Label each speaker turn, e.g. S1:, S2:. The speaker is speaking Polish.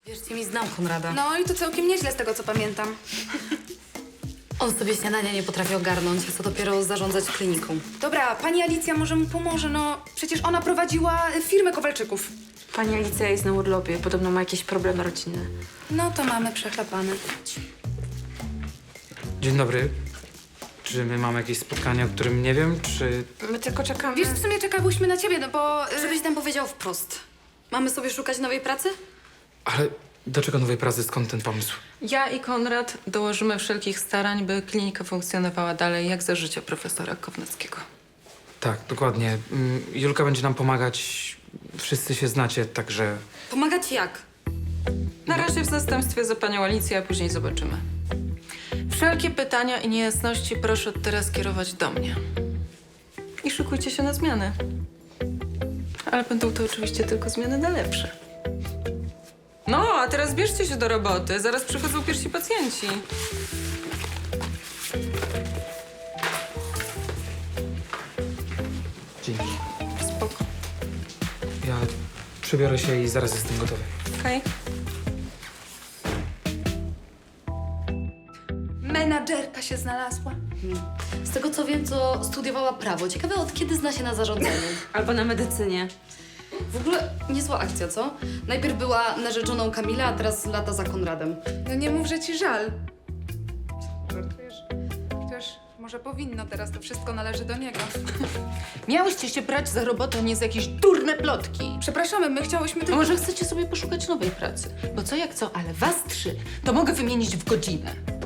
S1: Wierzcie mi, znam Konrada.
S2: No i to całkiem nieźle z tego, co pamiętam.
S1: On sobie śniadania nie potrafi ogarnąć, a co dopiero zarządzać kliniką.
S2: Dobra, pani Alicja może mu pomoże, no przecież ona prowadziła firmę Kowalczyków.
S3: Pani Alicja jest na urlopie, podobno ma jakieś problemy rodzinne.
S2: No to mamy przechlapane.
S4: Dzień dobry. Czy my mamy jakieś spotkanie, o którym nie wiem, czy...
S3: My tylko czekamy.
S2: Wiesz, w sumie czekałyśmy na ciebie, no bo...
S1: Żebyś nam powiedział wprost. Mamy sobie szukać nowej pracy?
S4: Ale do czego nowej pracy, skąd ten pomysł?
S5: Ja i Konrad dołożymy wszelkich starań, by klinika funkcjonowała dalej jak za życia profesora Kownackiego.
S4: Tak, dokładnie. Julka będzie nam pomagać. Wszyscy się znacie, także...
S1: Pomagać jak?
S5: Na razie w zastępstwie za panią Alicję, a później zobaczymy. Wszelkie pytania i niejasności proszę teraz kierować do mnie. I szykujcie się na zmiany. Ale będą to oczywiście tylko zmiany na lepsze. No, a teraz bierzcie się do roboty. Zaraz przychodzą pierwsi pacjenci.
S4: Dzięki.
S5: Spoko.
S4: Ja przebiorę się i zaraz jestem gotowy.
S5: Okej.
S2: Menadżerka się znalazła.
S1: Z tego co wiem, to studiowała prawo. Ciekawe, od kiedy zna się na zarządzaniu.
S3: Albo na medycynie.
S1: W ogóle niezła akcja, co? Najpierw była narzeczoną Kamila, a teraz lata za Konradem.
S2: No nie mów, że ci żal. Żartujesz? Chociaż może powinno, teraz to wszystko należy do niego.
S5: Miałyście się brać za robotę, nie za jakieś durne plotki.
S2: Przepraszamy, my chciałyśmy
S5: A
S2: tylko...
S5: może chcecie sobie poszukać nowej pracy? Bo co jak co, ale was 3 to mogę wymienić w godzinę.